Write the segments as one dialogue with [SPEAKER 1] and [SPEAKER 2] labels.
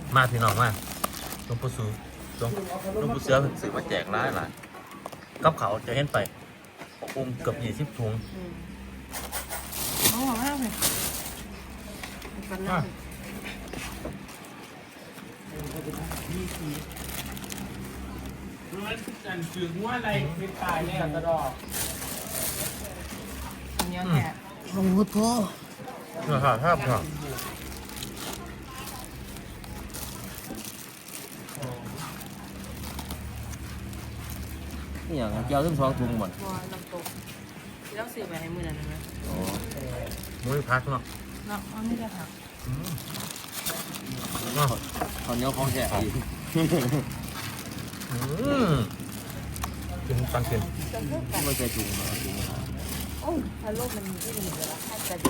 [SPEAKER 1] มาพี่น้องมาหลวงปู่สูหลวงปู่เสือสื่อมาแจกร้ายหลายกับเขาจะเห็นไปเกือบ20 ถุง
[SPEAKER 2] โอ้มากเลยกันนะ
[SPEAKER 3] มันกันถึงว่าอะไรเป็นตายเนี่ยกระดอก
[SPEAKER 2] อันนี้แหละโอ้โหโถ
[SPEAKER 1] ครับนี่อย่างเจ้าทั้งสองถุงหมด
[SPEAKER 2] น้ำตกแล้วซื้อไปให้มือนั่นไหม
[SPEAKER 1] อ๋อมุ้ยพักเนาะ
[SPEAKER 2] เนาะอันนี้จะผัก
[SPEAKER 1] ตอนนี้เขาแฉะอีกกินปันกินไม่ใช่ถุงนะถุง
[SPEAKER 2] โอ้พะโล้มันมีที่หนึ่งเลยละถ้าจะดี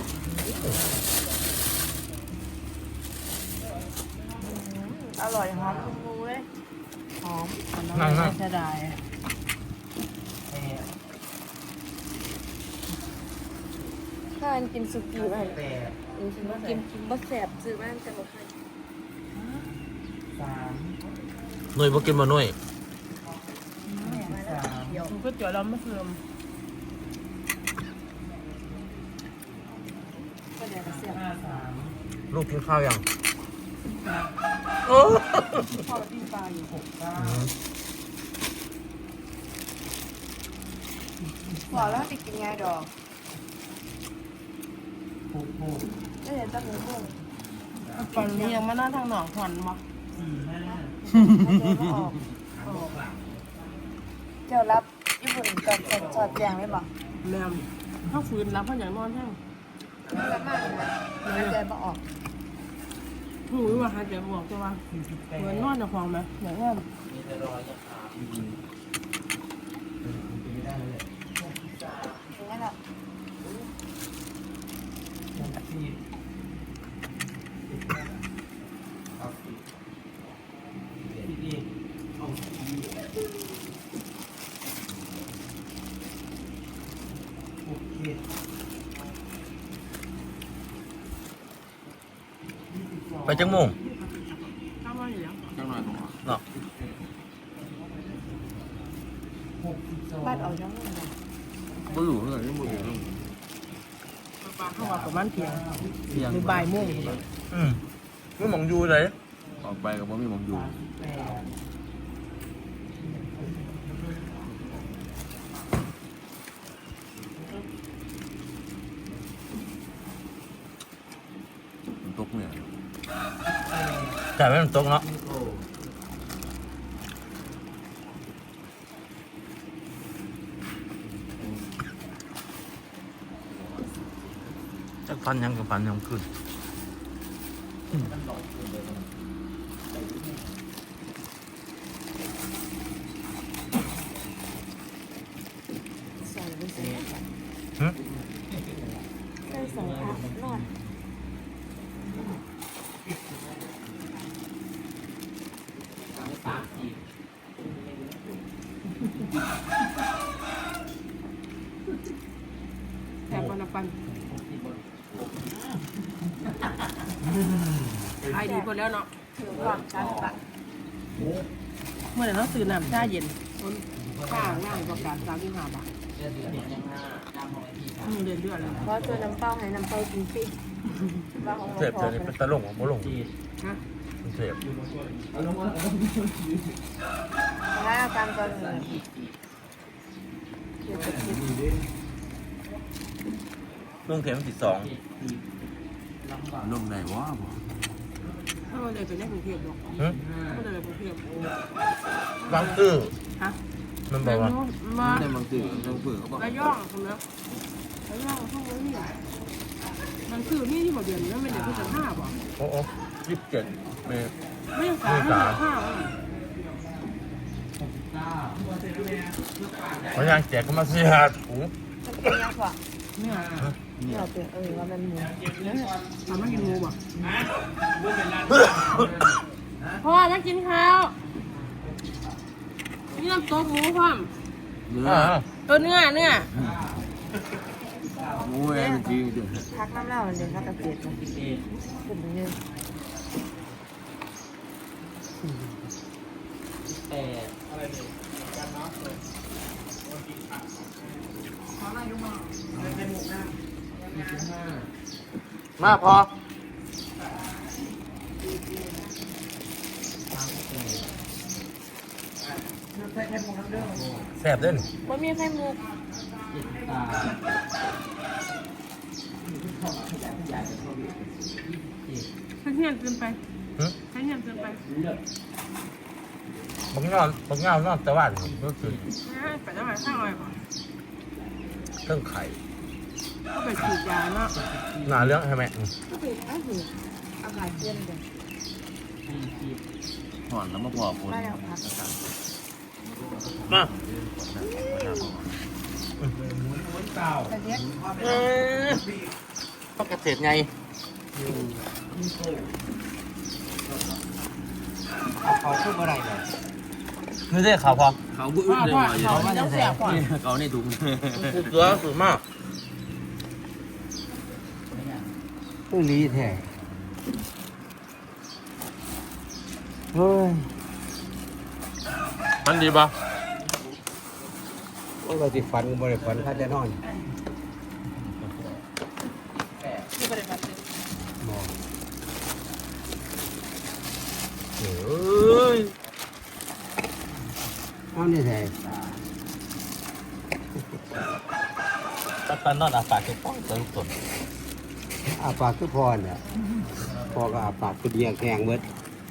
[SPEAKER 2] อร่อยหอมคุ้มมูเลยหอมน้ำไม่เสียดายถ้าอันกินสุกี้ไปกินบะแสบซื้อบ้านจะบอกใคร
[SPEAKER 1] หน่วยบ่กินมาหน่วย
[SPEAKER 2] มันก็เจาะล้อมมะเขือมก็เดี๋ยวจะเสียบ
[SPEAKER 1] ลูกกินข้าวยัง
[SPEAKER 2] โอ้พ่อปิ้งปลาอยู่พอแล้วจะกินไงดอกไม่เห็นตั้งหัวตอนนี้ยังมาหน้าทางหนองขวัญมั้งเจ้ารับญี่ปุ่นกับสอดแจงไม่บอกแม่ถ้าฝืนรับเพราะอย่างนอนแห้งไม่รับมากนะหายใจบ่ออกหูว่าหายใจบ่ออกจะว่าเหมือนนอนในห้องไหมอย่างนั้นอย่างนั้นแหละ
[SPEAKER 1] ไปจังโมง
[SPEAKER 2] ข้าวมันอยู่แล้ว
[SPEAKER 1] จังหน่อยเนาะ
[SPEAKER 2] บ้านเอาจังเลย
[SPEAKER 1] บ่รู้เลยบ่รู้
[SPEAKER 2] ปลาเข้ามาประมาณเที่ยงหรือบ่ายโมง
[SPEAKER 1] ไม่มองอยู่เลย
[SPEAKER 3] ออกไปกับว่าไม่มองอยู่ตกเนี่ย
[SPEAKER 1] แต่ไม่มันตกเนาะจะฟันยังกับฟันยังขึ้น
[SPEAKER 2] ใส่ไปใส่ใส่สองพักนอนแถบวันปันไอดีหมดแล้วเนาะถือความช้าตัดเมื่อไหร่เราซื้อน้ำชาเย็นข้างง่ายกว่าการ35 บาทเดือนเลยเพราะตัวน้ำเป้าให้น้ำเป้ากินฟรี
[SPEAKER 1] เสพเลยเป็นตะลงของบ่ลง
[SPEAKER 2] ฮะ
[SPEAKER 1] เสพ
[SPEAKER 2] ถ้าอาการตอนนี้
[SPEAKER 1] ลุงเข็ม12
[SPEAKER 3] ลงไหนวะ
[SPEAKER 2] ถ้าเราเลยไปได้กรุงเทพหรอกถ้าเราเลยกรุงเทพ
[SPEAKER 1] บางซื่อ
[SPEAKER 2] ฮะ
[SPEAKER 1] มันบอกว่า
[SPEAKER 2] มา
[SPEAKER 3] ในบางตื่นบางเผื่อเขาบอก
[SPEAKER 2] ระย่องคุณนะระย่องทุกวันนี้มันคือนี่ที่บอกเดือนนี้ไม่ได้ที่จะ5บอก
[SPEAKER 1] โอ้27
[SPEAKER 2] ไม่ยัง5
[SPEAKER 1] เขายังแจกก็มา4-5ถุง
[SPEAKER 2] มันเป็นยังไงเนี่ยเราเป็นว่ามันหมูทำให้กินหมูป่ะพ่อจะกินข้าวนี่น้ำต้มหมูพ่อม
[SPEAKER 3] เนื้
[SPEAKER 2] อ
[SPEAKER 3] หมูเองจริงจริง
[SPEAKER 2] พักน้ำเล่าเดี๋ยวพักกระเจี๊ยบขึ้นไปเยอะ
[SPEAKER 1] มาพอแซ่บเด้น
[SPEAKER 2] ว่ามีไข่มุกใช้เงียบเกินไปใช้เงียบเกินไป
[SPEAKER 1] บักเงานอนแต่ว่าก็คือ
[SPEAKER 2] ไปได้ไหมข้าวอะไรก่อน
[SPEAKER 1] เครื่องไข่
[SPEAKER 2] ก็ไปฉีดยาเนาะ
[SPEAKER 1] หนาเรื่องใช่ไหม
[SPEAKER 2] ก็ไปอากาศเย็นเลย
[SPEAKER 3] ถอนแล้วมาพอคน
[SPEAKER 2] ได้แล้วครับ
[SPEAKER 1] มา
[SPEAKER 2] แต่เนี้ย
[SPEAKER 1] ต้องเกษตรไง
[SPEAKER 4] เขาพูดเมื่อไหร่เลย
[SPEAKER 1] นี่ได้ข่าวพอ
[SPEAKER 3] เขาบุ้งเลย
[SPEAKER 2] เขาไม่ต้องเสียก่อน
[SPEAKER 3] เขาในถุง
[SPEAKER 1] กูเสือสุดมาก
[SPEAKER 4] ผู้ลีแท้เฮ้ย
[SPEAKER 1] มันดีปะ
[SPEAKER 4] ว่าเราจะฝันบริฝันข้าจะนอน
[SPEAKER 2] ที่ปฏิบัติ
[SPEAKER 4] มอง
[SPEAKER 1] เฮ้ย
[SPEAKER 4] เอานี่แท้
[SPEAKER 1] ตอนนอนอาปากจะป้องจะลุกตน
[SPEAKER 4] อาปากคือพอเนี่ยพอก็อาปากคือเดียแข็งเบิด
[SPEAKER 2] ทำ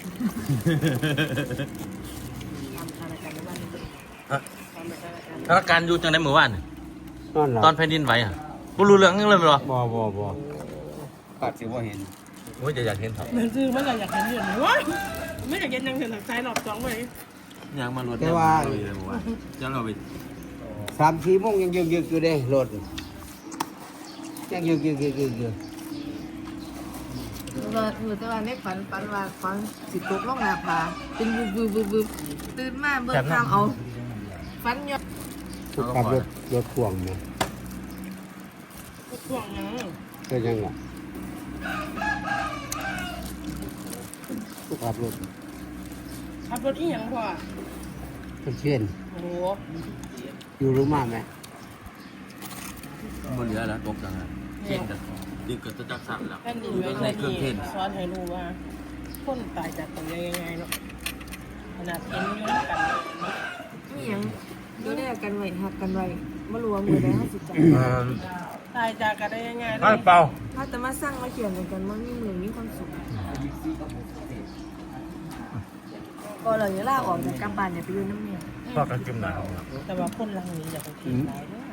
[SPEAKER 2] อะไรกันในวันนี้ทำอะไรกัน
[SPEAKER 1] สถานการณ์อยู่จังในเมื่อวานนี่
[SPEAKER 4] นอนหลับ
[SPEAKER 1] ตอนแผ่นดินไหวอ่ะกูรู้เรื่องยังเลยมั้ยหรอ
[SPEAKER 4] บ่ปากสิว่าเห็น
[SPEAKER 1] โอ้ยอยากเห็นเถอะ
[SPEAKER 2] เหมือนซื้อเมื่อไหร่อยากเห็นอยู่ไหนวะไม่อยากเห็นยังเห็นหลักใจหลอกจ้องไว้
[SPEAKER 3] ยางมารถเลยว่าจะเราไป
[SPEAKER 4] 3-4 โมงยังยึกอยู่เด้รถยังยึก
[SPEAKER 5] แต่ว่าในฝันว่าฝันสิตกลงหน้าผาเป็นบึบตื่นมาเบิ่งทางเอาฝันยอด
[SPEAKER 4] ทุกขับรถพ่วงเนี่ย
[SPEAKER 2] ห่วงยัง
[SPEAKER 4] ก็ยังล่ะทุกขับรถ
[SPEAKER 2] ขับรถอีหยังพ่อ
[SPEAKER 4] เป็นเช่น
[SPEAKER 2] โอ้โห
[SPEAKER 4] อยู่รู้มากไหม
[SPEAKER 3] บนเรือแล้วตกจังอ่ะเช่นกันดึกกับจักสั่นแล้ว
[SPEAKER 2] แผ่นดินไหวนี่สอนให้รู้ว่าคนตายจากตรงนี้ยังไงเนาะขนาดเห็นอยู่ด้วยกัน
[SPEAKER 5] นี่หยังดูได้กันไว้หักกันไว้บ่รู้ว่ามือใดเฮาสิจับ
[SPEAKER 2] ตายจากกันได้ยังไง
[SPEAKER 1] ไม่เปล่า
[SPEAKER 5] ถ้าแต่มาสร้างมาเขียนกันมันมีมือมีความสุขก็เลยลาออกจากกลับบ้านเนี่ยไปอยู่น้ำเมีย
[SPEAKER 1] พอกันจิ้มหนาว
[SPEAKER 2] แต่ว่าคนหลังนี้อย่าไปคิดร้ายเด้อ